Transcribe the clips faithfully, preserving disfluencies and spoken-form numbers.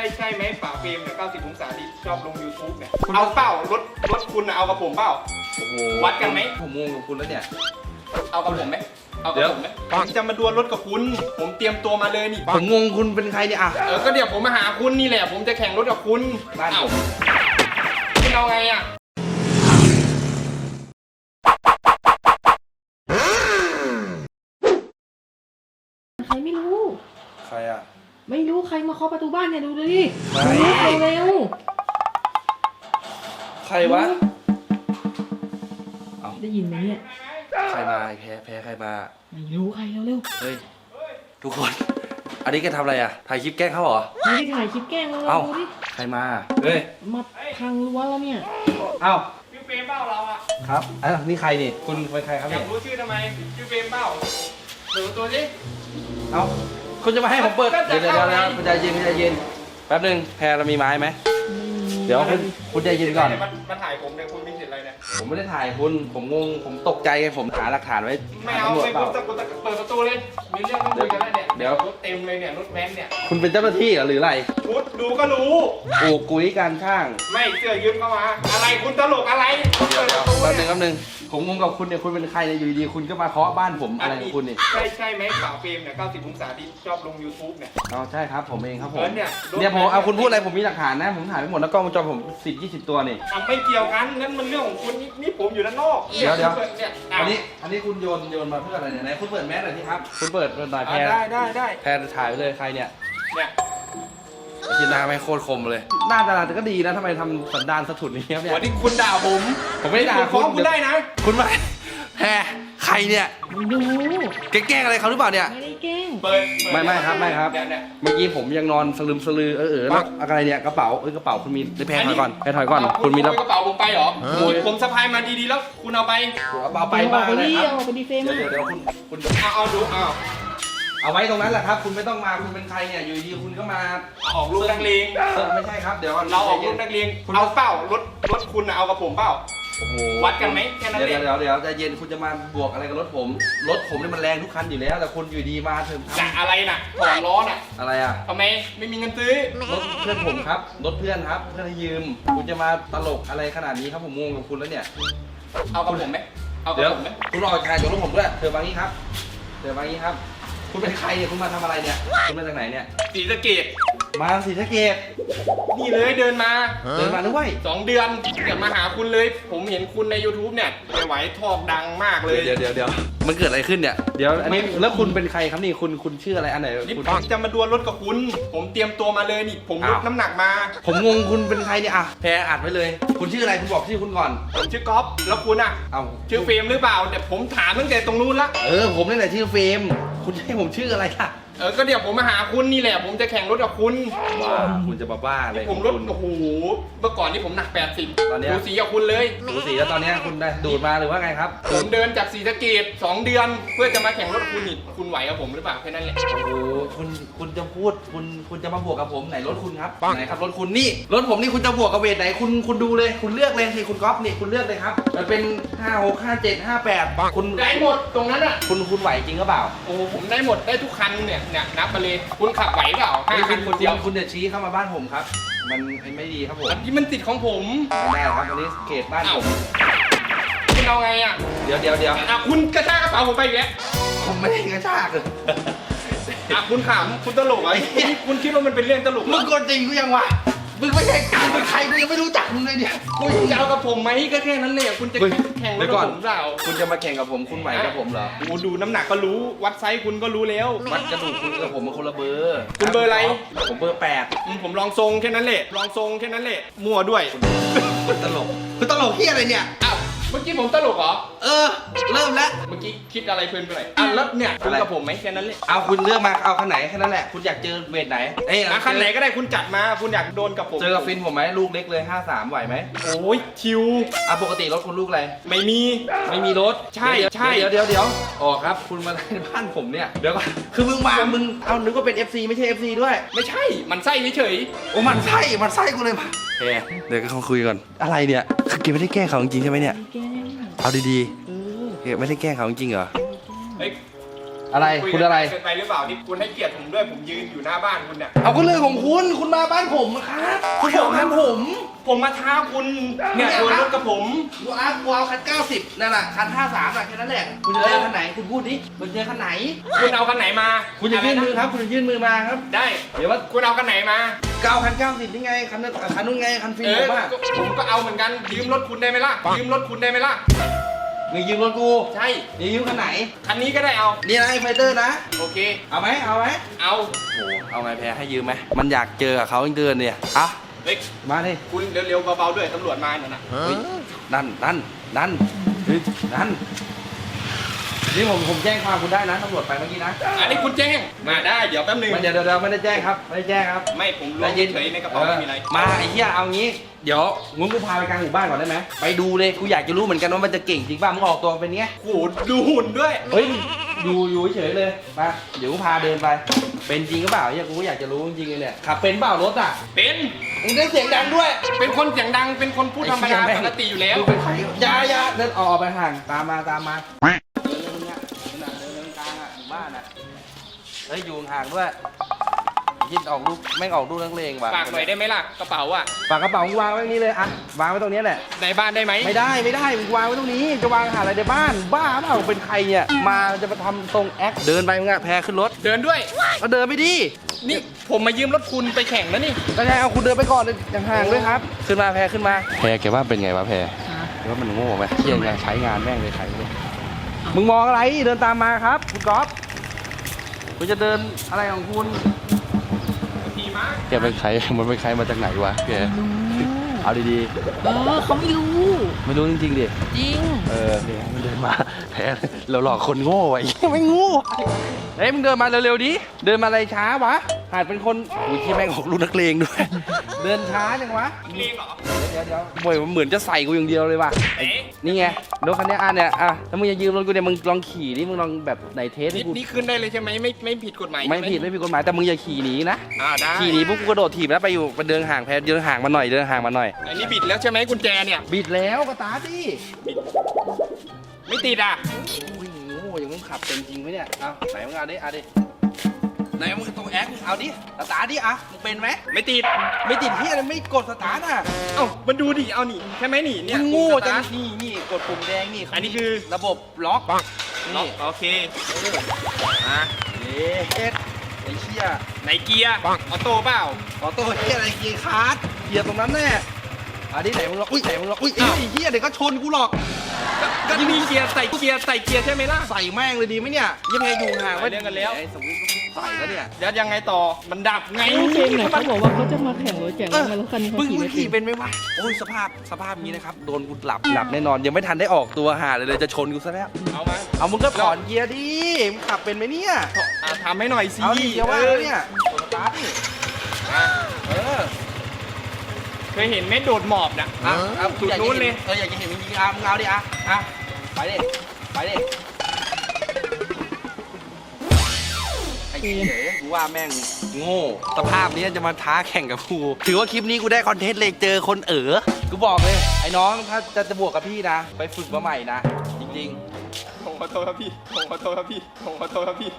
ช่ใช่ไหมป่าเฟรมเนี่ยเก้าสิบองศาที่ชอบลง ยูทูบ เนี่ยเอาเปล่ารถรถคุณเอากับผมเปล่าโอ้โหวัดกันไหมผมงงกับคุณแล้วเนี่ยเอากับผมไหมเอากับผมไหมผมจะมาดวลรถกับคุณผมเตรียมตัวมาเลยนี่ผมงงคุณเป็นใครเนี่ยอ่ะเออก็เดี๋ยวผมมาหาคุณนี่แหละผมจะแข่งรถกับคุณบ้านผมคุณเอาไงอ่ะใครไม่รู้ใครอ่ะไม่รู้ใครมาเคาะประตูบ้านเนี่ยดูดิดูเร็วใครวะได้ยินไหมเนี่ยใครมาแพ้แพ้ใครมาไม่รู้ใครเร็วเฮ้ยทุกคนอันนี้แกทำอะไรอ่ะถ่ายคลิปแกล้งเขาเหรอไม่ได้ถ่ายคลิปแกล้งเลยดูดิใครมาเฮ้ยมาพังรั้วแล้วเนี่ยเอ้าชื่อเฟรมเบ้าเราอ่ะครับอ่ะนี่ใครนี่คุณเป็นใครครับอยากรู้ชื่อทำไมชื่อเฟรมเบ้าเปิดตัวสิเอ้าคุณจะมาให้ผมเปิดเดี๋ยวเดี๋ยวเดี๋ยวคุณใจเย็นคุณใจเย็นแป๊บนึงแพรเรามีไม้ไหมเดี๋ยวคุณคุณใจเย็นก่อนมาถ่ายผมเนี่ยคุณมีสิทธิ์อะไรเนี่ยผมไม่ได้ถ่ายคุณผมงงผมตกใจไงผมหาหลักฐานไว้ไม่เอาไม่คุณจะเปิดประตูเลยมีเรื่องต้องคุยกันแล้วเนี่ยเดี๋ยวรถเต็มเลยเนี่ยรถแว้นเนี่ยคุณเป็นเจ้าหน้าที่หรืออะไรพูดดูก็รู้โอ้กุยการข้างไม่เสื้อยืมเข้ามาอะไรคุณตลกอะไรเดี๋ยวเดี๋ยวแป๊บนึงแป๊บนึงผมงงกับคุณเนี่ยคุณเป็นใครเนี่ยอยู่ดีๆคุณก็มาเคาะบ้านผมอะไรของคุณนี่ใช่ใช่ไหมป่าเฟรมเนี่ยเก้าสิบองศาที่ชอบลง ยูทูบ เนี่ยอ๋อใช่ครับผมเองครับผมเนี่ยเนี่ยผมเอาคุณพูดอะไรผมมีหลักฐานนะผมถ่ายไปหมดแล้วกล้องวงจรผมสิบยี่สิบตัวนี่ไม่เกี่ยวกันนั่นมันเรื่องของคุณนี่ผมอยู่ด้านนอกเดี๋ยวเดี๋ยวอันนี้อันนี้คุณโยนโยนมาเพื่ออะไรเนี่ยไหนคุณเปิดแมสหน่อยสิครับคุณเปิดเปิดหน่อยแพรได้ได้ได้แพรถ่ายไปเลยใครเนี่ยเนี่ยคิดหน้าไม่โคตรคมเลยหน้าตาแต่ก็ดีนะทำไมทำสันดานสะทุดนี้ครับเนี่ยวันนี้คุณด่าผมผมไม่ด่าคุณคุณได้นะคุณมาแพรใครเนี่ยไม่รู้แกล้งอะไรเขาหรือเปล่าเนี่ยไม่ได้แกล้งเปิดไม่ไม่ครับไม่ครับเมื่อกี้ผมยังนอนสลืมสลือเออเออแล้วอะไรเนี่ยกระเป๋าเอ้ยกระเป๋าคุณมีได้แพรถอยก่อนแพรถอยก่อนคุณมีกระเป๋าผมไปเหรอผมสะพายมาดีๆแล้วคุณเอาไปเอาไปบ้างเลยครับเอาไปดีเฟมเดี๋ยวเดี๋ยวคุณคุณเอาเอาดูเอาเอาไว้ตรงนั้นแหละครับคุณไม่ต้องมาคุณเป็นใครเนี่ยอยู่ดีคุณก็มาออกลูกนักเลงไม่ใช่ครับเดี๋ยวเราออกลูกนักเลงเอาเปล่ารถรถคุณเอากับผมเปล่าวัดกันไหมแค่นั้นเองเดี๋ยวเดี๋ยวใจเย็นคุณจะมาบวกอะไรกับรถผมรถผมเนี่ยมันแรงทุกคันอยู่แล้วแต่คุณอยู่ดีมาเถอะจะอะไรน่ะถอดล้อน่ะอะไรอ่ะทำไมไม่มีเงินซื้อรถเพื่อนผมครับรถเพื่อนครับเพื่อนให้ยืมคุณจะมาตลกอะไรขนาดนี้ครับผมงงกับคุณแล้วเนี่ยเอากับผมไหมเอากับผมไหมคุณรอการอยู่รถผมด้วยเธอมางี้ครับเธอมางี้ครับคุณเป็นใครเนี่ยคุณมาทำอะไรเนี่ยคุณมาจากไหนเนี่ยศรีสะเกษมาศรีสะเกษนี่เลยเดินมาเดินมาด้วยสองเดือนเดี๋ยวมาหาคุณเลยผมเห็นคุณใน ยูทูบ เนี่ยไม่ไหวทอกดังมากเลยเดี๋ยวเดี๋ยวเดี๋ยวมันเกิดอะไรขึ้นเนี่ยเดี๋ยวอันนี้แล้วคุณเป็นใครครับนี่คุณคุณชื่ออะไรอันไหนคุณจะมาดวลรถกับคุณผมเตรียมตัวมาเลยนี่ผมลดน้ำหนักมาผมงงคุณเป็นใครเนี่ยอ่ะแพรอัดไว้เลยคุณชื่ออะไรคุณบอกชื่อคุณก่อนผมชื่อก๊อฟแล้วคุณอ่ะเอาชื่อเฟรมหรือเปล่าเดี๋ยวผมถามตั้งแต่ตรงนู้นละเออผมนี่แหละชื่อเฟรมคุณให้ผมชื่ออะไรล่ะเออก็เดี๋ยวผมมาหาคุณนี่แหละผมจะแข่งรถกับคุณว้าคุณจะบ้าบ้าเลยผมรถโอ้โหเมื่อก่อนนี่ผมหนักแปดสิบตอนนี้ดูสีกับคุณเลยดูสีแล้วตอนนี้คุณได้ดูดมาหรือว่าไงครับผมเดินจากศรีสะเกษสองเดือนเพื่อจะมาแข่งรถคุณนี่คุณไหวกับผมหรือเปล่าแค่นั้นแหละโอ้โหคุณคุณจะพูดคุณคุณจะมาบวกกับผมไหนรถคุณครับไหนครับรถคุณนี่รถผมนี่คุณจะบวกกับเวทไหนคุณคุณดูเลยคุณเลือกเลยสิคุณก๊อฟนี่คุณเลือกเลยครับมันเป็นห้าหกห้าเจ็ดห้าแปดคุณได้หมดตรงนั้นอ่ะคุณคุณไหวจริงหรือเปล่าโอ้ผมได้หมดได้ทุกคันเนี่ยเนี่ยนับมาเลยคุณขับไหวเปล่าห้าคันคนเดียวคุณจะชี้เข้ามาบ้านผมครับมันไม่ดีครับผมอันนี้มันติดของผมไม่ได้ครับอันนี้เขตบ้านผมคุณเอาไงอ่ะเดี๋ยวเดี๋ยวเดี๋ยวอ่ะคุณกระชากกระเป๋าผมไปอีกแล้วผมไม่ได้กระชากเลยอ่ะคุณขำคุณตลกอ่ะคุณคิดว่ามันเป็นเรื่องตลกมึงกดจริงกูยังวะมึงไม่ใช่มึงเป็นใครกูยังไม่รู้จักมึงเลยเนี่ยคุณจะเอากับผมไหมก็แค่นั้นเลยคุณจะแข่งรถกับผมเปล่าคุณจะมาแข่งกับผมคุณไหวกับผมเหรอกูดูน้ำหนักก็รู้วัดไซส์คุณก็รู้แล้ววัดกระดูกคุณกับผมมันคนละเบอร์คุณเบอร์อะไรผมเบอร์แปดผมลองทรงแค่นั้นแหละลองทรงแค่นั้นแหละมั่วด้วยคุณตลกคุณตลกที่อะไรเนี่ยอ้าวเมื่อกี้ผมตลกเหรอเออเริ่มแล้วเมื่อกี้คิดอะไรเพลินไปหน่อยอ่ะแล้วเนี่ยคุณกับผมไหมแค่นั้นเลยเอาคุณเลือกมาเอาคันไหนแค่นั้นแหละคุณอยากเจอเวทไหนเอ้ยคันไหนก็ได้คุณจัดมาคุณอยากโดนกับผมเจอกับฟินผมไหมลูกเล็กเลยห้าสามไหวไหมโอ้ยชิวอ่ะปกติรถคุณลูกอะไรไม่มีไม่มีรถใช่ใช่เดี๋ยวเดี๋ยวเดี๋ยวอ๋อครับคุณมาในบ้านผมเนี่ยเดี๋ยวก่อนคือมึงมามึงเอานึกว่าเป็น เอฟ ซี ไม่ใช่ เอฟ ซี ด้วยไม่ใช่มันไส้เฉยโอ้มันไส้มันไส้กูเลยมาแกเดี๋ยวก็คุยก่อนอะไรเนี่ยคือเกมไม่ได้แกล้งเขาจริงใช่ไหมเนี่ยเอาดีๆเกมไม่ได้แกล้งเขาจริงเหรอเฮ้ยอะไรคุยคุณกันอะไรเกินไปหรือเปล่าที่คุณให้เกียรติผมด้วยผมยืนอยู่หน้าบ้านคุณเนี่ยเอาก็เรื่องของคุณคุณมาบ้านผมครับคุณบอกบ้านผมผมมาท้าคุณเนี่ยโดนรถกับผมกูเอากูเอาคันเก้าสิบนั่นแหละคันห้าสามแค่นั้นแหละคุณจะเจอคันไหนคุณพูดดิคุณเจอคันไหนคุณเอาคันไหนมาคุณจะยื่นมือครับคุณจะยื่นมือมาครับได้เดี๋ยวว่าคุณเอาคันไหนมาเก้าคันเก้าสิบนี่ไงคันนั้นคันนู้นไงคันฟิล์เอมอผมอะก็ผมก็เอาเหมือนกันยืมรถคุณได้ไหมล่ะยืมรถคุณได้ไหมล่ะมึงยืมรถกูใช่มึงยืมคันไหนคันนี้ก็ได้เอานี่นะไอ้ไฟเตอร์นะโอเคเอาไหมเอาไหมเอาโอ้เอาไงแพ้ให้ยืมไหมมันอยากเจอกับเขาเดินเนี่ยอ่ะเล็กมาดิคุณเร็วๆเบาๆด้วยตำรวจมาเนี่ยนะเฮ้ยนั่นนั่นนั่นเฮ้ยนั่นนี่ผมผมแจ้งความคุณได้นะตำรวจไปเมื่อกี้นะอันนี้คุณแจ้งมาได้เดี๋ยวแป๊บนึงมันเดี๋ยวเดี๋ยวไม่ได้แจ้งครับไม่ได้แจ้งครับไม่ผมล้วงเฉยในกระเป๋าไม่มีอะไรมาไอ้เหี้ยเอางี้เดี๋ยวงั้นกูพาไปกลางหมู่บ้านก่อนได้ไหมไปดูเลยกูอยากจะรู้เหมือนกันว่ามันจะเก่งจริงป่ะมึงออกตัวเป็นไงโหดูหุ่นด้วยเฮ้ยอยู่อยู่เฉยๆเลยมาเดี๋ยวกูพาเดินไป เป็นจริงหรือเปล่าเนี่ยกูก็อยากจะรู้จริงๆเลยเนี่ยขับเป็นเปล่ารถอ่ะเป็นมึงได้เสียงดังด้วยเป็นคนเสียงดังเป็นคนพูดธรรมดาปกติอยู่แล้วมึงเป็นใครอยาอยาเดินออกไปห่างตามมาตามมาเดินเลยมึงเนี่ยเดินเดินกลางอ่ะหมู่บ้านอ่ะเฮ้ยอยู่ห่างด้วยยินออกลูกแม่งออกลูกนักเลงว่ะฝากหน่อยได้ไหมล่ะกระเป๋าอ่ะฝากกระเป๋ามึงวางไว้ตรงนี้เลยอ่ะวางไว้ตรงนี้แหละในบ้านได้ไหมไม่ได้ไม่ได้มึงวางไว้ตรงนี้จะวางหาอะไรในบ้านบ้าเปล่าเป็นใครเนี่ยมาจะมาทำทรงแอคเดินไปมึงอะแพรขึ้นรถเดินด้วยก็เดินไปดินี่ผมมายืมรถคุณไปแข่งแล้วนี่ก็ใช่เอาคุณเดินไปก่อนเลยอย่างห่างด้วยครับ ขึ้นมาแพรขึ้นมาแพรแกว่าเป็นไงวะแพรแกว่ามันโง่ไหมเที่ยงไงใช้งานแม่งเลยใครเลยมึงมองอะไรเดินตามมาครับคุณก๊อฟคุณจะเดินอะไรของคุณขี่ม้าแกเป็นใครมันเป็นใครมาจากไหนวะแกเอาดีเออเขาไม่รู้ๆไม่รู้จริงๆดิจริงเออเนี่ยมันเดินมาแพ้เราหลอกคนโง่ไอ้ไม่โง่เฮ้ยมึงเดินมาเร็วๆดิเดินมาอะไรช้าวะหาดเป็นคนอุ้ยที่แม่งออกลูกนักเลงด้วย เดินช้าจังวะเลงเหรอเดี๋ยวเดี๋ยวบ่อยมันเหมือนจะใส่กูอย่างเดียวเลยว่ะเอ๊ะนี่ไงรถคันนี้อ่ะเนี่ยอ่ะถ้ามึงจะยืมรถกูเนี่ยมึงลองขี่ดิมึงลองแบบไหนเทสให้นี่กูนี่ขึ้นได้เลยใช่ไหมไม่ไม่ผิดกฎหมายไม่ใช่หผิดไม่ผิดกฎหมายแต่มึงอย่าขี่หนีนะอ่าได้ขี่หนีปุ๊บกูกระโดดถีบแล้วไปอยู่ไปเดินห่างแพ้เดินห่างมาหน่อยเดินห่างมาหน่อยอันนี้บิดแล้วใช่ไหมกุญแจเนี่ยบิดแล้วก็ตาร์ทดิไม่ติดอ่ะอุ้ยโง่อย่างมึงขับเป็นจริงไหมเนี่ยเอาไหนมึงเอาดิเอาดิไหนมึงตรงแอคเอาดิสตาร์ทดิอ่ะมึงเป็นไหมไม่ติดไม่ติดที่อะไรไม่กดสตาร์ทอ่ะเอ้ามันดูดิเอานี่ใช่ไหมนี่เนี่ยมึงโง่ปุ่มสจัตาง ร์ทนี่นี่กดปุ่มแดงนี่อันนี้คือระบบล็อกล็อกนี่โอเคเอออ่ะเย็ดไอ้เชี่ยในเกียร์ออโต้เปล่าออโต้เฮียอะไรเกียร์คาร์ดเกียร์ตรงนั้นแน่อันนี้ไหนมึงล็อกอุ้ยไหนมึงล็อกอุ้ยไอ้เฮียเดี๋ยวก็ชนกูหรอกก็มีเกียร์ใส่เกียร์ใส่เกียร์ใช่ไหมล่ะใส่แม่งเลยดีไหมเนี่ยยังไงอยู่ห่างไว้เรื่องกันแล้วไอ้สมมติใส่แล้วเนี่ยแล้วยังไงต่อมันดับไงไอ้เจมส์เนี่ยเขาบอกว่าเขาจะมาแข่งรถแข่งเออมารถคันนี้เขามึงขี่มึงไม่ขี่เป็นเป็นไหมวะโอ้ยสภาพสภาพนี้นะครับโดนกูหลับหลับแน่นอนยังไม่ทันได้ออกตัวหาเลยเลยจะชนกูซะแล้วเอามาเอามึงก็ถอนเกียร์ดิมึงขับเป็นไหมเนี่ยอ่ะทำให้หน่อยสิเอาดิอย่าว่าเออเนี่ยกดสตาร์ทดิอ่ะเออเคยเห็นไหมโดดหมอบนะอ่ะเอาจุดนู้นเลยเอออยากจะเห็นมึงยิงอ่ะมึงเอาดิอ่ะอ่ะไปดิไปดิไอ้เหี้ยกูว่าแม่งโง่สภาพนี้จะมาท้าแข่งกับกูถือว่าคลิปนี้กูได้คอนเทนต์เลยเจอคนเอ๋อกูบอกเลยไอ้น้องถ้าจะจะบวกกับพี่นะ ไปฝึกมาใหม่นะ จริงผมขอโทษครับพี่ผมขอโทษครับพี่ผมขอโทษครับพี่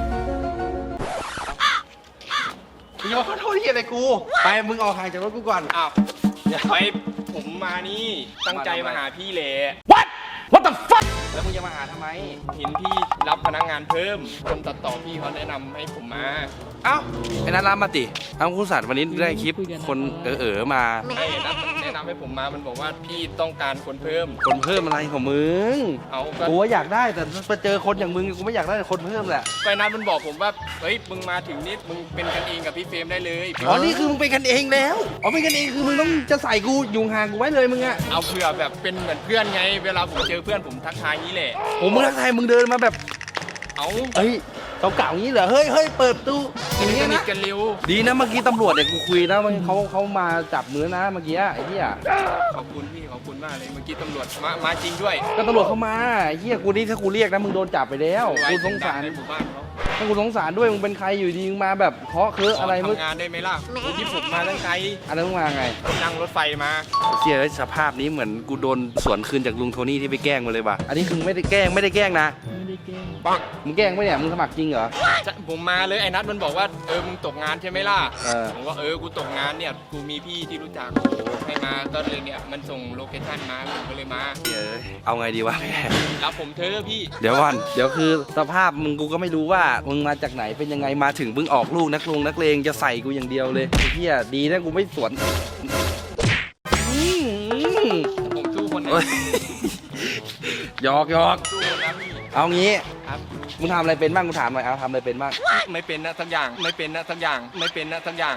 ๆพี่ขอโทษที่อะไรกู ไปมึงออกห่างจากรถกูก่อนอ้าวเดี๋ยวไปผมมานี่ตั้งใจมาหาพี่แหละ What What the fuck แล้วมึงจะมาหาทำไมเห็นพี่รับพนักงานเพิ่ม คนตัดต่อพี่เขาแนะนำให้ผมมาเอ้าไอ้นัทรับมาติเอาคุณสัตว์วันนี้ได้คลิปคนเออๆมาไอ้นัดแนะนำให้ผมมา มันบอกว่าพี่ต้องการคนเพิ่มคนเพิ่มอะไรของมึงเอาก็กูว่าอยากได้แต่ไปเจอคนอย่างมึงกูไม่อยากได้คนเพิ่มแหละก็นัดมันบอกผมว่า เฮ้ย มึงมาถึงนี่มึงเป็นกันเองกับพี่เฟรมได้เลยอ๋อนี่คือมึงเป็นกันเองแล้วอ๋อเป็นกันเองคือมึงต้องจะใส่กูยุงห่างกูไว้เลยมึงอะเอาเผื่อแบบเป็นเหมือนเพื่อนไง เวลาผมเจอเพื่อนผมทักทายนี้แหละโอ้มึงทักทายมึงเดินมาแบบเอาเฮ้ยเก่าๆอย่างนี้เหรอเฮ้ยเฮ้ยเปิดประตูอย่างสเงี้ยนิทนะกันเร็วดีนะเมื่อกี้ตำรวจเนี่ยกูคุยนะมันเขาเขามาจับมือนะเมื่อกี้ไอ้เหี้ยขอบคุณพี่ขอบคุณมากเลย เมื่อกี้ตำรวจมา มาจริงด้วยก็ตำรวจเข้ามาไอ้เหี้ยกูนี่ถ้ากูเรียกนะมึงโดนจับไปแล้วกูสงสารในหมู่บ้านเขาถ้ากูสงสารด้วยมึงเป็นใครอยู่ดีมึงมาแบบเคาะเคอะอะไรมึงทำงานได้ไหมล่ะที่ผมมาตั้งไกลอะไรมึงมาไงนั่งรถไฟมาเสียสภาพนี้เหมือนกูโดนสวนคืนจากลุงโทนี่ที่ไปแกล้งมาเลยว่ะอันนี้คือไม่ได้แกล้งไม่ได้แกล้งนะไม่ได้แกล้งปังมึงแกล้งปะเนี่ยมึงสมัครจริงเหรอผมมาเลยไอ้นัทมันบอกว่าเออมึงตกงานใช่ไหมล่ะเออผมว่าเออกูตกงานเนี่ยกูมีพี่ที่รู้จักโอ้ให้มาก็เลยเนี่ยมันส่งโลเคชั่นมาผมก็เลยมาเดี๋ยวเอาไงดีวะแม่รับผมเธอะพี่เดี๋ยวก่อนเดี๋ยวคือสภาพมึงกูก็ไม่รู้ว่ามึงมาจากไหนเป็นยังไงมาถึงมึงออกลูกนักลงนักเลงจะใส่กูอย่างเดียวเลยไอ้เฮียดีนะกูไม่สวนอืมผมสู้คนนะเฮ้ยหยอกหยอกสู้คนนะพี่เอางี้ครับมึงทำอะไรเป็นบ้างกูถามหน่อยเอาทำอะไรเป็นบ้างไม่เป็นนะสักอย่างไม่เป็นนะสักอย่างไม่เป็นนะสักอย่าง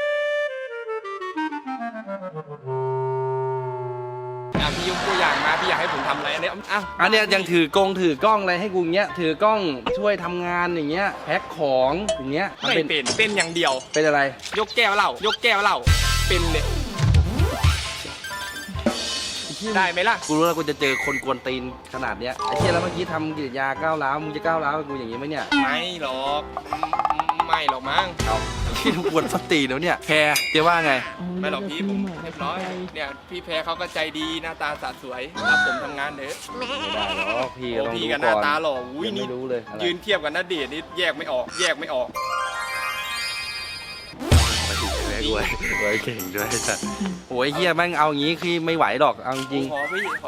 อ่ะพี่ยกตัวอย่างมาพี่อยากให้ผมทำอะไรอันเนี้ยอ่ะอันเนี้ยยังถือกงถือกล้องอะไรให้กูอย่างเงี้ยถือกล้องช่วยทำงานอย่างเงี้ยแพ็คของอย่างเงี้ยมันไม่เป็นเป็นเป็นอย่างเดียวเป็นอะไรยกแก้วเหล้ายกแก้วเหล้าเป็นเลยได้ไหมล่ะกูรู้แล้วกูจะเจอคนกวนตีนขนาดเนี้ยไอ้เชี่ยแล้วเมื่อกี้ทำกิจยาก้าวร้าวมึงจะก้าวร้าวกับกูอย่างงี้ไหมเนี่ยไม่หรอกไม่หรอกมั้งเอาที่มึงกวนสตีนแล้วเนี่ยแคร์เจ๊ว่าไงไม่หรอกพี่ผมเรียบร้อยเนี่ยพี่แพรเขาก็ใจดีหน้าตาสะสวยรับผมทำงานเถอะไม่ได้หรอกพี่ก็โอ้ต้องพี่รู้กับหก่น้าอนตาหล่ออุ้ยยังนี่ไม่รู้เลยอะไรยืนเทียบกับหน้าเดชนี่แยกไม่ออก แยกไม่ออกไปถึงแม่กูไว้เก่งด้วยสัตว์โอ้ยเฮียแม่งเอาอย่างงี้คือไม่ไหวหรอกเอาจริงขอพี่ขอ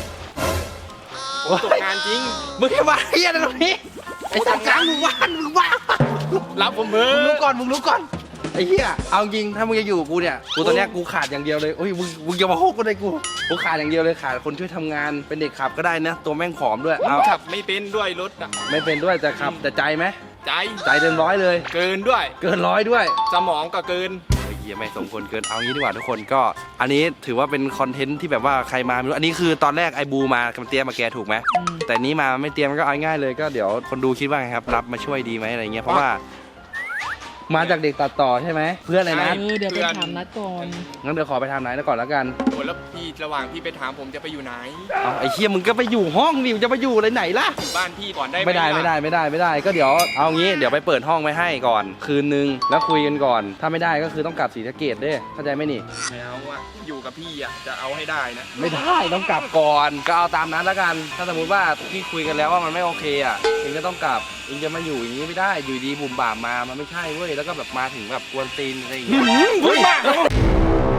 ผมตกงานจริงมึงแค่ว่าเฮียอะไรตรงนี้ไอ้สัตว์กลางมึงว่านมึงว่ารับผมเพิ่มึงรู้มก่อนมึงรู้ก่อนไอ้เหี้ยเอาจริงถ้ามึงจะอยู่กับกูเนี่ยกูตอนเนี้ยกูขาดอย่างเดียวเลยโอ้ยมึงมึงอย่ามาโฮกกูเลยกูกูขาดอย่างเดียวเลยขาดคนช่วยทำงานเป็นเด็กขับก็ได้นะตัวแม่งผอมด้วยเอาขับไม่เป็นด้วยรถอะไม่เป็นด้วยแต่ขับแต่ใจไหมใจใจเต็มร้อยเลยเกินด้วยเกินร้อยด้วยสมองก็เกินไอ้เหี้ยไม่สมควรเกินเอางี้ดีกว่าทุกคนก็ อันนี้ถือว่าเป็นคอนเทนต์ที่แบบว่าใครมาไม่รู้อันนี้คือตอนแรกไอ้บูมากับเตรียมมาแกถูกไหมอืมแต่นี้มาไม่เตรียมก็เอาง่ายเลยก็เดี๋ยวคนดูคิดว่าไงครับรับมาช่วยดีไหมอะไรเงี้ยเพราะว่ามาจากเด็กตัดต่อใช่ไหมเพื่อนอะไรนะเออเดี๋ยวไปถามนัดก่อนงั้นเดี๋ยวขอไปทำไหนแล้วก่อนแล้วกันโอ้แล้วพี่ระหว่างพี่ไปถามผมจะไปอยู่ไหนเอาไอ้เชี่ยมึงก็ไปอยู่ห้องดิมึงจะไปอยู่อะไรไหนล่ะอยู่บ้านพี่ก่อนได้หไม่ได้ล่ะไม่ได้ไม่ได้ไม่ได้ก็เดี๋ยวเอางี้เดี๋ยวไปเปิดห้องไว้ให้ก่อน คืนนึงแล้วคุยกันก่อน ถ้าไม่ได้ก็คือต้องกลับศรีสะเกษด้วยเข้าใจไหมนี่ไม่เอาอะอยู่กับพี่อะจะเอาให้ได้นะไม่ได้ต้องกลับก่อนก็เอาตามนั้นแล้วกัน ถ้าสมมติว่าพี่คุยกันแล้วว่ามันไม่โอเคอ่ะเองก็ต้องกลับเองจะมาอยู่อย่างนี้ไม่ได้อยู่ดีบุ่มบ่ามมามันไม่ใช่เว้ยแล้วก็แบบมาถึงแบบกวนตีนอะไรอย่างเงี้ยเฮ้ย